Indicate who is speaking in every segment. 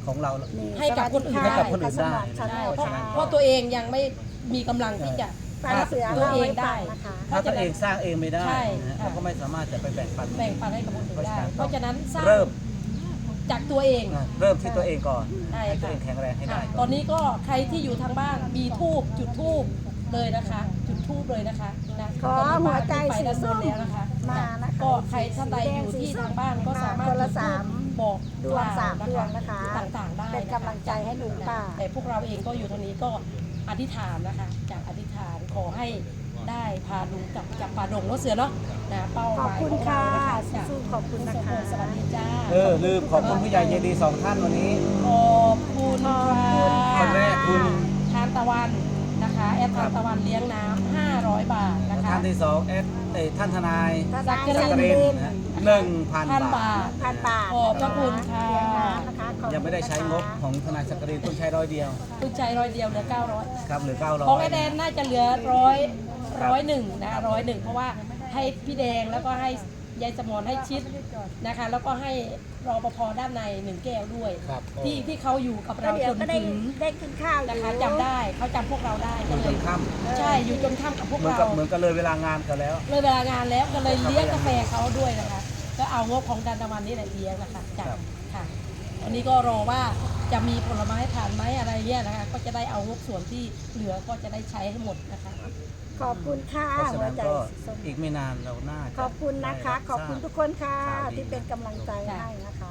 Speaker 1: ของเรา
Speaker 2: ให้กับคนอื่น
Speaker 1: ให้กับคนอื่นได้
Speaker 2: ใช่เพราะตัวเองยังไม่มีกำลังที่จะ
Speaker 3: ฟังเสือ
Speaker 2: ตัว
Speaker 3: เล่า
Speaker 2: เอ
Speaker 3: ให้
Speaker 2: ง
Speaker 3: ฟั
Speaker 2: ได้
Speaker 3: งนะคะ
Speaker 1: ถ้าตัวเองสร้างเองไม่ได้
Speaker 2: ใช่
Speaker 1: นะฮะ
Speaker 2: ค่ะ
Speaker 1: เราก็ไม่สามารถจะไปแบ่งปัน
Speaker 2: แบ่งปันให้กับคนอื่นได้ เพราะฉะนั้นสร้าง
Speaker 1: เริ่ม
Speaker 2: จากตัวเอง
Speaker 1: เริ่มที่ตัวเองก่อน
Speaker 2: ใช่
Speaker 1: ให้ตัว
Speaker 2: ค่ะ
Speaker 1: เองแข็งแรงให้ได้
Speaker 2: ค่ะตอนนี้ก็ใครที่อยู่ทางบ้านมีทูบจุดทูบเลยนะคะ จุดทูบเลยนะคะนะ
Speaker 3: ขอหัวใจ
Speaker 2: ไป
Speaker 3: สี
Speaker 2: ด้านบ
Speaker 3: ส้
Speaker 2: น
Speaker 3: ม
Speaker 2: แล้วนะคะ
Speaker 3: มานะคะ
Speaker 2: ก็ใครท่านใดอยู่ที่ทางบ้านก็สามารถ
Speaker 3: คนละ
Speaker 2: จุดธูป
Speaker 3: สาม
Speaker 2: บอก
Speaker 3: ดวงสามดวงนะคะ
Speaker 2: ต่างๆได้
Speaker 3: เป็นกำลังใจให้ลุงป้า
Speaker 2: แต่พวกเราเองก็อยู่ตรงนี้ก็อธิษฐานนะคะ จากอธิษฐานขอให้ได้พาลุงกลับจากป่าดงรถเสือเนาะนะเป้าห
Speaker 3: ขอบ
Speaker 2: มาย
Speaker 3: คุณ
Speaker 2: ของเรา
Speaker 3: ค่ะ
Speaker 2: นะคะจาก
Speaker 3: สู้ๆขอบคุณนะคะ
Speaker 2: สวัสดีจ้า
Speaker 1: ลืมขอบคุณผู้ใหญ่ใจดีสองท่านวันนี้
Speaker 2: ขอบคุณค่ะ
Speaker 1: คนแรกคุณ
Speaker 2: ทานตะวันนะคะแอดทานตะวันเลี้ยงน้ำ500 บาทนะคะ
Speaker 1: ท่านที่สองท่านทนาย
Speaker 3: ทนาย
Speaker 2: สั
Speaker 1: สั
Speaker 2: ก
Speaker 1: ก
Speaker 2: ก
Speaker 1: ก
Speaker 2: ริ
Speaker 1: ริ
Speaker 2: น
Speaker 1: นนะ1,000 บาท
Speaker 3: พันบาท
Speaker 2: ขอบพระคุณค่ะ
Speaker 3: เลี้ยงน้ำนะคะขอบคุณ
Speaker 1: ยังไม่ได้ใช้งบของทนายสักกรินต้องใช้100 เดียว
Speaker 2: คุณใจ100 เดียวเหลือ900
Speaker 1: ครับหรือ
Speaker 2: ของไอแดน
Speaker 1: 900
Speaker 2: น่าจะเหลือ101นะ101เพราะว่าให้พี่แดงแล้วก็ให้ยายสมรให้ชิดนะคะ แล้วก็ให้รปภด้านใน1 แก้วด้วย
Speaker 1: ครับ
Speaker 2: ที่เขาอยู่กับ
Speaker 3: ก็
Speaker 2: เรา
Speaker 3: เดี๋ย
Speaker 2: จ
Speaker 3: วน ก็ได้
Speaker 2: ถึง
Speaker 3: ได้กินข้าวอยู่
Speaker 2: นะคะจำได้เขาจำพวกเราได้
Speaker 1: อ
Speaker 2: ก็
Speaker 1: ยู่
Speaker 2: เล
Speaker 1: จ
Speaker 2: ย
Speaker 1: นค่ำ
Speaker 2: ใช่อยู่จนค่ำกับพวก
Speaker 1: เหมือน
Speaker 2: เรา
Speaker 1: กับเลยเวลางานกันแล้ว
Speaker 2: เลยเวลางานแล้วก็เลยเลี้ยงกาแฟเขาด้วยนะคะ ก็เอางบของดันตะวันนี่แหละเลี้ยงนะคะจาก
Speaker 1: ครับ
Speaker 2: ค่ะวันนี้ก็รอว่าจะมีผลไม้ผ่านไหมอะไรเนี่ยนะคะ ก็จะได้เอางบส่วนที่เหลือก็จะได้ใช้ให้หมดนะคะ
Speaker 3: ขอบคุณค่ะ
Speaker 1: เพราะฉะ
Speaker 3: หัว
Speaker 1: นั้น
Speaker 3: ใจ
Speaker 1: ก็
Speaker 3: สีส้ม
Speaker 1: อีกไม่นานเราน่าจะ
Speaker 3: ขอบคุณนะคะ
Speaker 1: ได้รับ
Speaker 3: ขอบคุณ
Speaker 1: ทรา
Speaker 3: ทุกคนค่ะ
Speaker 1: ข่าวดี
Speaker 3: ที่เป็นกำลังใจให้นะคะ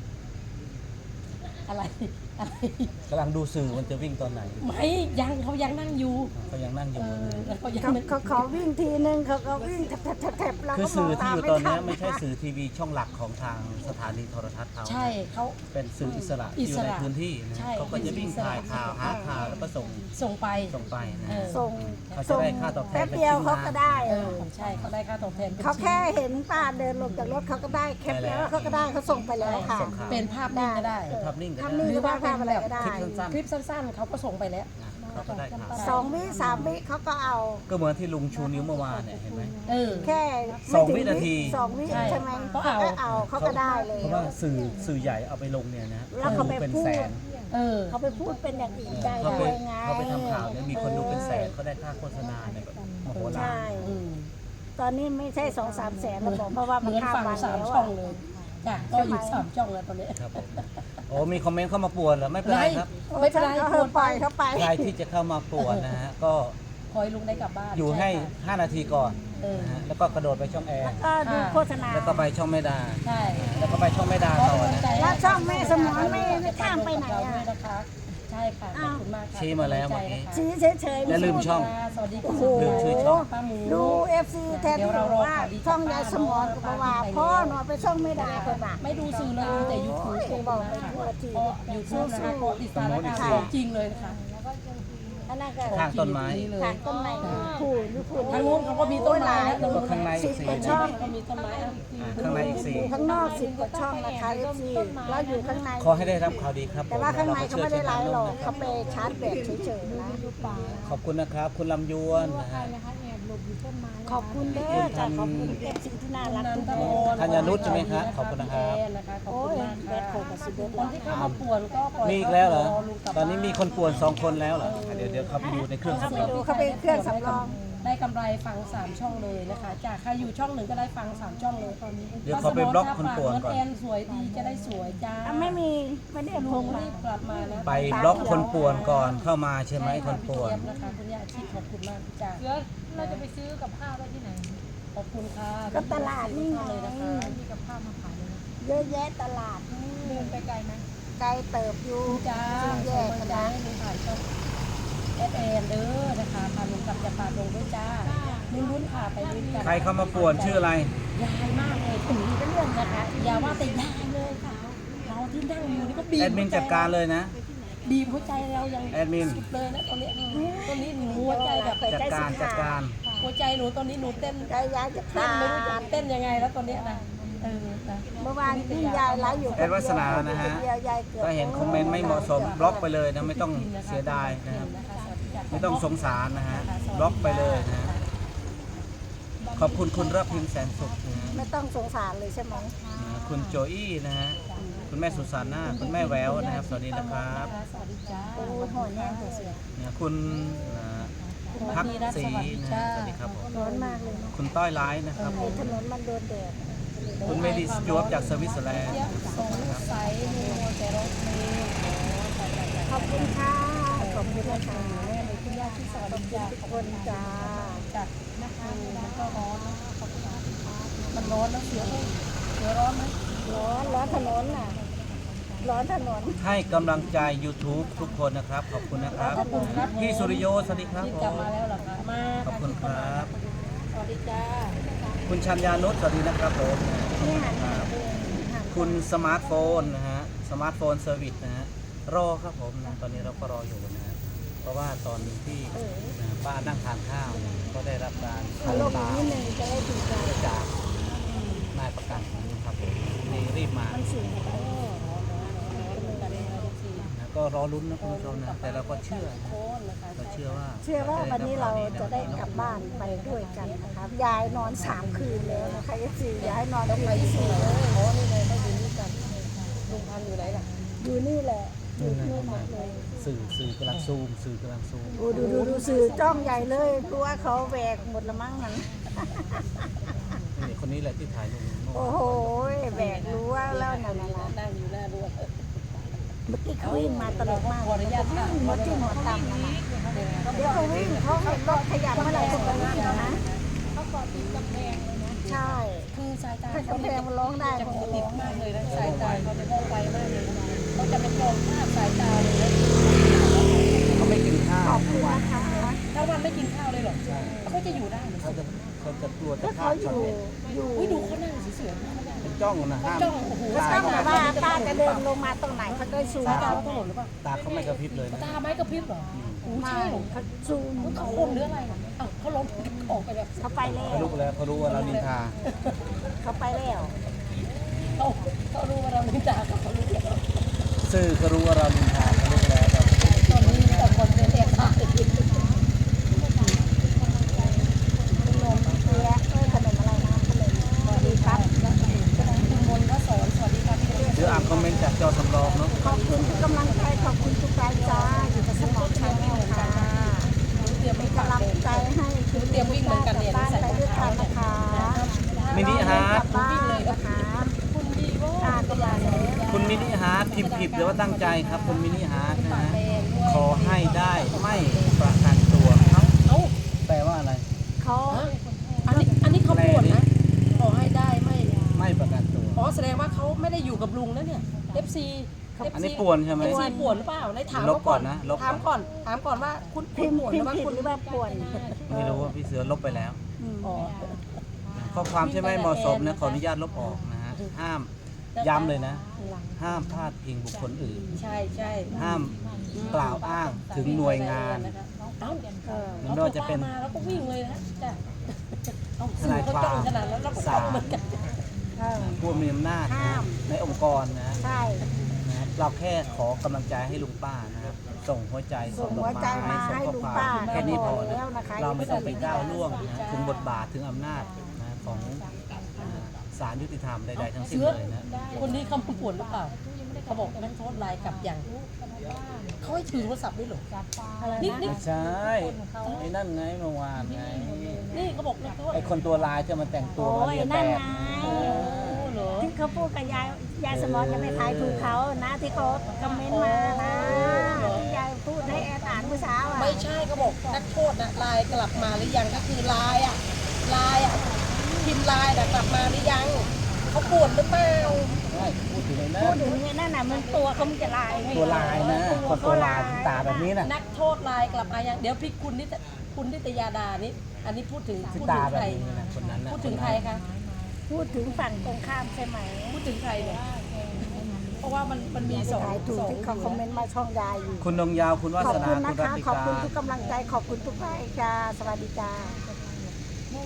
Speaker 2: อะไรอะไร
Speaker 1: กำลังดูสื่อมันจะวิ่งตอนไหน
Speaker 2: ไม่ยังเขายังนั่งอยู่
Speaker 1: เขายังนั่งอยู่
Speaker 2: แล้วก็ยัง
Speaker 3: เขาขอวิ่งทีนึงเขาก็วิ่งแถบๆเรา
Speaker 1: คือ
Speaker 3: ก็มอ
Speaker 1: สื่
Speaker 3: ง
Speaker 1: อที่
Speaker 3: ตาม
Speaker 1: อยู่
Speaker 3: ไม่
Speaker 1: ตอน
Speaker 3: ทั
Speaker 1: นี้
Speaker 3: น
Speaker 1: ไม่ใช่สื่อทีวีช่องหลักของทางสถานีโทรทัศน์เขา
Speaker 2: ใช่เขา
Speaker 1: เป็นสื่ออิสระ
Speaker 2: อิ
Speaker 1: อยู่
Speaker 2: ส
Speaker 1: ใน
Speaker 2: ระ
Speaker 1: พื้นที่นะ
Speaker 2: ใช่
Speaker 1: เขาก็จะวิ่งถ่ายข่าวหาข่าวแล้วก็ส่ง
Speaker 2: ส่งไป
Speaker 1: ไปนะ
Speaker 2: เออ
Speaker 3: ส่ง
Speaker 1: เขาจะได้ค่าตอบแทน
Speaker 3: แป๊บเดียวเขาก็ได้
Speaker 2: เออใช่เขาได้ค่าตอบแทนป็น
Speaker 3: เขาแค่เห็นป้าเดินลงจากรถเขาก็ได้แคปแล้วเขาก็ได้เขาส่งไปแล้วค่ะ
Speaker 1: ส่งข่าว
Speaker 2: เป็นภาพนิ่งก็ได้
Speaker 1: เป็นภาพนิ่งก็
Speaker 3: ทำนิ่ง
Speaker 1: ได้
Speaker 3: หรือว่าภาพอะไรก็ได้
Speaker 1: คลิปสั้น
Speaker 2: คลิปสั้นๆเขาก็ส่งไปแล้ว
Speaker 1: ๆเขาก็ได้ข่าว
Speaker 3: 2 วิ3 วิเขาก็เอา
Speaker 1: ก็เหมือนที่ลุงชูนิ้วเมื่อวานเนี่ยเห็นไหม
Speaker 2: เออ
Speaker 3: แค่
Speaker 1: สองวินาที
Speaker 3: 2 วิ
Speaker 2: ใช่
Speaker 3: ใช่ไหม
Speaker 2: เขา
Speaker 3: เขา
Speaker 2: เอา
Speaker 3: ก็เอาเขาก็ได้เลย
Speaker 1: เพราะว่าสื่อใหญ่เอาไปลงเนี่ยนะ
Speaker 3: แล้วเขาไป
Speaker 1: เป็น
Speaker 3: พูด
Speaker 1: แสน
Speaker 2: เออ
Speaker 3: เขาไปพูดเป็นอย่างอื่นได้
Speaker 1: เขาไป
Speaker 3: ด้วยไง
Speaker 1: เขาไปทำข่าวเนี่ยมีคนดูเป็นแสนเขาได้ค่าโฆษณาเนี่ยแบบมโหฬาร
Speaker 3: ใช่
Speaker 2: อืม
Speaker 3: ตอนนี้ไม่ใช่2-3 แสนแล้วบอกเพราะว่า
Speaker 2: เห
Speaker 3: มัน
Speaker 2: มือน
Speaker 3: ข้าม
Speaker 2: ฝั่ง
Speaker 3: วัน
Speaker 2: สาม
Speaker 3: แล้ว
Speaker 2: ช่อง
Speaker 3: อะ
Speaker 2: เลยจ้ะก็อยู่3 ช่องแล้วตอนนี้
Speaker 1: ครับผมโอ้มีคอมเมนต์เข้ามาป่วนเหรอไม่เป็นไรครับ
Speaker 2: ไม่เป็นไร
Speaker 3: เขา
Speaker 2: ควร
Speaker 3: ปล่อยเขาไป
Speaker 1: ใครที่จะเข้ามาป่วนนะฮะก็
Speaker 2: คอยลุงได้กลับบ้าน
Speaker 1: อยู่ให้
Speaker 2: ช่ค่ะ
Speaker 1: 5 นาทีก่อน
Speaker 2: เออ
Speaker 1: นะฮะแล้วก็กระโดดไปช่องแอร์
Speaker 3: ก็ดูโฆษณา
Speaker 1: แล้วก็ไปช่องแม่ดา
Speaker 2: ใช่
Speaker 1: แล้วก็ไปช่องแม่ดาต่อนะ
Speaker 3: แล้วช่องแม่สมรไม่ข้ามไปไหนอะ
Speaker 2: ด้วยนะคะใช่ค่ะขอบคุณมากค่ะ
Speaker 1: ชี้มาแล้วเมื่อกี้
Speaker 3: ชี้เฉยๆ
Speaker 1: อย่าลืมช่อง
Speaker 2: สวัสดี
Speaker 3: โอ้
Speaker 2: ค่ะ
Speaker 3: โห
Speaker 1: ลืมชื่อช่อง
Speaker 2: ป้าหมู
Speaker 3: ดู FC แทนที่บอกว่าช่องยายสมรกับว่าพ่อหนอไปช่องไม่ได้คนบ่า
Speaker 2: ไม่ดูสื่อเลยดูแต่ยูทูบ
Speaker 3: โอ้ยบอกไปทั่วที
Speaker 2: ยูทูบนะคะก็ติดตามนะคะของจริงเลยนะคะ
Speaker 3: อันนั้นก็
Speaker 1: ข้างต้นไม้
Speaker 3: ทางต้นไม้ผู้นี่ผู้
Speaker 2: ทางนู้นเขาก็มีต้นไม้นะ
Speaker 1: ก็ข้างในอีก
Speaker 3: 10
Speaker 1: สี่
Speaker 3: กว่า
Speaker 1: นะ
Speaker 3: ช่อง
Speaker 2: ก็มีต้นไม้อ่ะ
Speaker 1: ข้างในอีกสี่
Speaker 3: ข้างนอก10 กว่าช่องนะคะ FC แล้วอยู่ข้างใน
Speaker 1: ขอให้ได้รับข่าวดีครับ
Speaker 3: แต่ว่าข้างในเขาไม่ได้ไลฟ์หรอก
Speaker 1: นะค
Speaker 3: เขาไปชาร์จแบตเฉยๆนะ
Speaker 1: ขอบคุณนะครับ คุณลำยวนนะฮะ
Speaker 3: ขอบคุณเด้อจ้ะขอบคุณ FC ที่น่ารักทุกคน
Speaker 1: ธัญนุชใช่ไหมครับขอบคุณนะครับ
Speaker 2: ขอบ
Speaker 3: โอ้
Speaker 2: คุณ
Speaker 3: ย
Speaker 2: มาก
Speaker 3: แบตโค
Speaker 2: ค่ะ
Speaker 3: กับสิบเอ็ด
Speaker 2: คนที่เข้ามาป่วนก็ปล่อย
Speaker 1: มีอีกแล้วเหรอ
Speaker 2: ลุงกลับ
Speaker 1: ตอนนี้มีคนป่วน2 คนแล้วเหรอ เดี๋ยวเขาไปดูในเครื่อง
Speaker 3: เขา
Speaker 1: สำ
Speaker 3: ไป
Speaker 1: รอง
Speaker 3: ดูเขาไปเครื่องสำรอง
Speaker 2: ได้กำไรฟัง3 ช่องเลยนะคะ จากใครอยู่ช่องหนึ่งก็ได้ฟัง3 ช่องเลยตอนนี้
Speaker 1: เดี๋ยวเขาไปบล็อกคนป่วนก่อน
Speaker 2: แอนสวยดีจะได้สวยจ้า
Speaker 3: ไม่มีไม่ได้พ
Speaker 2: ลุ
Speaker 3: ง
Speaker 2: ง
Speaker 3: มา
Speaker 2: รีบกลับมานะ
Speaker 1: ไปบล็อกคนป่วนก่อนเข้ามาใช่ไหมคนป่วน
Speaker 2: ใช่ค่ะพี่เจี๊ยบนะคะคุณย่าชิดขอบคุณมากจ้า
Speaker 4: แล้วเราจะไปซื้อกับข้าวได้ที่ไหน
Speaker 2: ขอบคุณค่ะ
Speaker 3: ก็ตลาดนี่ไง
Speaker 2: เลยนะคะ
Speaker 4: มีกับข้าวมาขายเลยนะ
Speaker 3: เยอะแยะตลาดนี่
Speaker 4: เดินไปไกลไหม
Speaker 3: ไกลเติบอยู่
Speaker 2: จ้า
Speaker 3: แย
Speaker 2: ส่ง
Speaker 3: ก
Speaker 2: มา
Speaker 3: กัน
Speaker 2: จ้า
Speaker 3: นะ
Speaker 2: ให้ลุงถ่ายช่องFN เด้อนะคะพาลุงกลับจากป่าดงด้วยจ้าลุ้นๆค่ะไปลุ้นกัน
Speaker 1: ใครเข้ามาป่วนชื่ออะไร
Speaker 2: ยายมากเลยถึงเป็นเรื่องนะคะอย่าว่าแต่ยายเลยค่ะเราที่นั่งอยู่นี่ก็บีบ
Speaker 1: แอดมินจัดการเลยนะ
Speaker 2: บีบหัวใจเรายัง
Speaker 1: แอดมิน
Speaker 2: สุดเลยนะตอนนี้หนูหัวใจแบบ
Speaker 1: จัดการ
Speaker 2: หัวใจหนูตอนนี้หนูเต้น
Speaker 3: ใจยายจะ
Speaker 2: เต้
Speaker 3: ขาน
Speaker 2: ไม่รู้จะ
Speaker 3: ด
Speaker 2: เต้นยังไงแล้วตอนเนี้ยนะนะ
Speaker 3: เมื่อวานที่ยายไลฟ์อยู่
Speaker 1: แอดวัฒนานะฮะ
Speaker 3: เดียวยายเกือบ
Speaker 1: ถ้าเห็นคอมเมนต์ไม่เหมาะสมบล็อกไปเลยนะไม่ต้องเสียดายนะครับไม่ต้องสงสารนะฮะบล็อกไปเลยนะฮะขอบคุณคุณรับพิมพ์แสนสุขนะฮะ
Speaker 3: ไม่ต้องสงสารเลยใช่ไหม
Speaker 1: คุณโจอี้นะฮะคุณแม่สุสานาคุณแม่แววนะครับสวัสดีนะครับ
Speaker 2: สวัสดีจ้า
Speaker 3: โอ้ยหอนแห้งเสีย
Speaker 1: เนี่ยคุณพักศรีนะสวัสดีครับผม
Speaker 3: ร้อนมากเลยเนาะ
Speaker 1: คุณต้อยไลท์นะครับ
Speaker 3: ไอ้ถนนมันโดนแดด
Speaker 1: คุณเมดิสจวบจากสวิตเซอร์แลนด์
Speaker 2: เจี๊ยบส่งลูกใสมีโมแต่ร้องเพลง
Speaker 3: ขอบคุณค่ะขอบคุณนะคะ
Speaker 2: คุณย่าที่สวัสดีจ้า
Speaker 3: ทุกคนจ้า
Speaker 2: จ้ะนะคะมันก็ร้อนนะมันร้อนแล้วเสือร้อนไหม
Speaker 3: ร้อนถนนน่ะร้อนถนน
Speaker 1: ให้กำลังใจ YouTube ทุกคนนะครับ ขอบคุณนะครับ
Speaker 2: ขอบคุณครับ
Speaker 1: พี่สุริโยสวัสดีครับ
Speaker 2: นี่
Speaker 1: ผ
Speaker 2: กลับ
Speaker 1: ม
Speaker 2: มาแล้วเหรอคะมา
Speaker 1: ขอบคุณครับ
Speaker 2: สวัสดีจ้า
Speaker 1: คุณชัญญานุชสวัสดีนะครับผม
Speaker 3: นี่หัน
Speaker 1: ค
Speaker 3: มา
Speaker 1: รับ
Speaker 3: เองหัน
Speaker 1: คุณสมาร์ทโฟนนะฮะสมาร์ทโฟนเซอร์วิสนะฮะรอครับผมนะตอนนี้เราก็รออยู่นะฮะเพราะว่าตอนที่ป้านั่งทานข้าวเนี่ยก็ได้รับการ
Speaker 3: เอาลงอีกนิดนึงจะได้ถูกใจ
Speaker 1: จากนายประกันนะครับผมนี่รีบมา
Speaker 3: มันสูงไป
Speaker 1: นะก็รอลุ้นนะคุณผู้ชมนะแต่เราก็เชื่อนะเราเชื่อว่า
Speaker 3: เชื่อว่าวันนี้เราจะได้กลับบ้านไปด้วยกันนะคะยายนอน3 คืนแล้วนะคะยายนอนคืนที่4เลย
Speaker 2: โอ้นี่เลยก็อยู่นี่กันลุงพันธุ์อยู่ไหนล่ะ
Speaker 3: อยู่นี่แหละอยู่นี่หมดเลย
Speaker 1: สื่อกำลังซูมสื่อกำลังซูม
Speaker 3: โอ้ดูสื่อจ้องใหญ่เลยกลัวเขาแหวกหมดละมั้งนั้น
Speaker 1: นี่คนนี้แหละที่ถ่ายลงเมื่อ
Speaker 3: โอ้
Speaker 1: วาน
Speaker 3: โหแบกรู้ว่าแล้วนั่นนะ
Speaker 2: นั่งอยู่หน้ารั้ว
Speaker 3: เมื่อกี้เขาวิ่งมาตลกมาก
Speaker 2: ขออนุญาตค่ะ
Speaker 3: หมดที่หมดต่ำนะนะเดี๋ยวเขาวิ่งเขาเห็นรถขยับเมื่อไหร่เขาก็วิ่งนะ
Speaker 4: เขาเกาะติดกำแพงเลยนะ
Speaker 3: ใช่
Speaker 2: คือสายตา
Speaker 3: ถ้ากำแพงมันร้องได้
Speaker 2: จะ
Speaker 3: เขา
Speaker 2: โก
Speaker 3: ก็
Speaker 2: ติ
Speaker 3: ร้
Speaker 2: ด
Speaker 3: อง
Speaker 2: มากเลยนะสายตาเขาจะมองไวมากเลยเขาจะเป็นมองภาพสายตาเลยนะ
Speaker 1: เขาไม่กินข้าว
Speaker 3: ขอบ
Speaker 1: ทุ
Speaker 3: คุ
Speaker 1: ก
Speaker 3: ณ
Speaker 1: วัน
Speaker 3: นะคะ
Speaker 2: ถ้าวันไม่กินข้าวเลยหรอเขาจะอยู่ได้เหรอ
Speaker 1: เขาจะกลัวจะ
Speaker 3: ถ้า
Speaker 1: ฆ่า
Speaker 3: เขาอยู่
Speaker 2: อุ้ยดูเขานั่งเฉย
Speaker 1: เป็นจ้องนะห้าม
Speaker 2: จ้องโอ้โห
Speaker 3: เขาต้องแบบว่าป้าจะเดินลงมาตรงไหนเขาก็ซูม
Speaker 2: สายตา
Speaker 3: เขา
Speaker 2: เขาถนนหรือเปล่า
Speaker 1: ตาเขาไม่กระพริบเลยนะ
Speaker 2: ตาไม้กระพริบเหรอโอ้
Speaker 3: ไม่
Speaker 2: ใช่เหรอ
Speaker 3: เขาซูม
Speaker 2: เขาคนหรืออะไรอ่ะเขาล้มออกไปแล้ว
Speaker 3: เขาไปแล้
Speaker 1: เขา
Speaker 3: ว
Speaker 1: รู้แล้วเขารู้ว่าเรานินทา
Speaker 3: เขาไปแล้ว
Speaker 2: เขารู้ว่าเราไม่จ่าเขารู้แล้ว
Speaker 1: สื่อเขารู้ว่าเรานินทาเขารู้แล้วครับ
Speaker 2: ตอนนี้แต่คนเป็นแอบถ่าย
Speaker 3: ขนมเปี๊ยะขนมอะไรนะขนมสวัสดีครับ
Speaker 2: คุณมนต์ก็สอนสวัสดีค่ะพี่เล็ก
Speaker 1: เดี๋ยวอ่านคอมเมนต์จากจอสำรองเนาะ
Speaker 3: ขอบคุณทุกกำลังใจขอบคุณทุกการจ้าอยู่กับสมองชาแนลค่ะ
Speaker 2: เตรียม
Speaker 3: เป็น
Speaker 2: กำ
Speaker 3: กำ
Speaker 2: ลั
Speaker 3: ลั
Speaker 2: ง
Speaker 3: งใจให้คุณ
Speaker 2: เตรียมวิ่งเหมือนกันเนี่ย
Speaker 3: บ้านไปด้วยกันนะคะ
Speaker 1: มินิฮาร์ด
Speaker 3: บ้านนะคะ
Speaker 2: คุณดีว่า
Speaker 3: การตลาดแล้ว
Speaker 1: คุณมินิฮาร์ดพิมพ์ผิดหรือว่าตั้งใจครับคุณมินิฮาร์ดนะฮะขอให้ได้ไม่ประกันตัวครับ
Speaker 2: เอ้า
Speaker 1: แปลว่าอะไร
Speaker 3: เขา
Speaker 2: อันนี้เขาปวดนะขอให้ได้ไม่
Speaker 1: ไม่ประกันตัว
Speaker 2: อ๋อแสดงว่าเขาไม่ได้อยู่กับลุงแล้วเนี่ย FC
Speaker 1: อันนี้ป่วนใช่ไหม
Speaker 2: FC ป่วนหรือเปล่าได้ถาม
Speaker 1: ลบ
Speaker 2: เขา
Speaker 1: ก่
Speaker 2: ก่
Speaker 1: อ
Speaker 2: อน น
Speaker 1: นะลบก่อน
Speaker 2: ถามก่อนว่าคุณ
Speaker 3: พิมพ์
Speaker 2: ป่วนห
Speaker 3: พิ
Speaker 2: รื
Speaker 3: ม
Speaker 2: อ
Speaker 3: พ์
Speaker 2: ว่า
Speaker 3: ผิด
Speaker 2: คุณ
Speaker 3: หรือว่าป่วน
Speaker 1: ไม่รู้ว่าพี่เสือลบไปแล้ว
Speaker 2: อ๋อ
Speaker 1: ข้อความที่ไม่เหมาะสมนะขออนุญาตลบออกนะฮะห้ามย้ำเลยนะ ห้ามพาดพิงบุคคลอื่น
Speaker 2: ใช่ใช่
Speaker 1: ห้ามกล่าวอ้างถึงหน่วยงาน
Speaker 2: เอ้า
Speaker 1: ไม่ว่าจะเป็น
Speaker 2: มาแล้วก็วิ่งเลยนะจ้ะเอา
Speaker 1: ท
Speaker 2: สื่
Speaker 1: นา
Speaker 2: อย เขา
Speaker 1: ควา
Speaker 2: จ้อง
Speaker 1: ม
Speaker 2: ขนาดแล้วเราก็จ้องเหมือนกัน
Speaker 1: ผู้มีอำนาจนะ
Speaker 3: ห้าม
Speaker 1: ในองค์กรนะ
Speaker 3: ใช่
Speaker 1: นะครับเราแค่ขอกำลังใจให้ลุงป้านะครับ ส่งหัวใจ
Speaker 3: ส่
Speaker 1: ส่
Speaker 3: ง
Speaker 1: งดอ
Speaker 3: หัว
Speaker 1: ก
Speaker 3: ใจ
Speaker 1: ไม้
Speaker 3: มา
Speaker 1: ส่ง
Speaker 3: ให้
Speaker 1: ข้อ
Speaker 3: ลุง
Speaker 1: ควา
Speaker 3: ป้าม
Speaker 1: แค่นี้พอนะ
Speaker 3: แล้วนะคะ
Speaker 1: เราไม่ต้องไปก้าวล่วงนะถึงบทบาทถึงอำนาจนะของศาลยุติธรรมใดๆทั้งสิ้น
Speaker 2: เชื้อ
Speaker 1: เลยนะ
Speaker 2: คนนี้เขาป่วนหรือเปล่าเขาบอกนักโทษลายกลับอย่างเขาให้ถือโทรศัพท์ด้วยเหรอ
Speaker 3: อะไร
Speaker 2: นี่
Speaker 3: นะ
Speaker 2: นี่
Speaker 1: ไม่ใช่ไอ้นั่นไงเมื่อวานไง
Speaker 2: นี่เขาบอกนักโทษ
Speaker 1: ไอ้คนตัวลายที่มันแต่งตัว
Speaker 3: โอ้
Speaker 1: มาย เรียนแบ
Speaker 3: นั่น
Speaker 1: บ
Speaker 3: ไง
Speaker 2: โอ้เหรอ
Speaker 3: ที่เขาพูดกับยายสมอนจะไม่ทายถูกเขานะที่เขาคอมเมนต์มานะที่ยายพูดให้แอนอ่านเมื่อเช้าอ่ะ
Speaker 2: ไม่ใช่เขาบอกนักโทษนะลายกลับมาหรือยังก็คือลายอ่ะพิมพ์ลายน่ะกลับมาหรือยังเขาป่วนหรือเปล่า
Speaker 1: ไม่พูดถึงไอ้นั่
Speaker 3: พูด
Speaker 1: น
Speaker 3: ถึงไอ้นั่นน่ะมันตัวเขามันจะลายไง
Speaker 1: ตัวลายนะคนตัวลายตาแบบนี้น่ะ
Speaker 2: นักโทษลายกลับมายังเดี๋ยวพี่คุณนิตยาดานี่อันนี้พูดถึง
Speaker 1: ที่
Speaker 2: พูด
Speaker 1: ตา
Speaker 2: ถึง
Speaker 1: แบบ
Speaker 2: ใคร
Speaker 1: นี้นะคนนั้นนะ
Speaker 2: พูดถึงใครคะ
Speaker 3: พูดถึงฝั่งตรงข้ามใช่ไหม
Speaker 2: พูดถึงใครเนี่ยเพราะว่ามันมีสอง
Speaker 3: ขายถูก
Speaker 2: สอง
Speaker 3: ที่เขาคอมเมนต์มาช่องยายอยู่
Speaker 1: คุณดงยาวคุณวา
Speaker 3: ขอบ
Speaker 1: สนา
Speaker 3: คุณ
Speaker 1: คุ
Speaker 3: นะ
Speaker 1: ณรั
Speaker 3: คะ
Speaker 1: ติ
Speaker 3: ขอบ
Speaker 1: กา
Speaker 3: คุณทุกกำลังใจขอบคุณทุกไลค์จ้าสวัสดีจ้า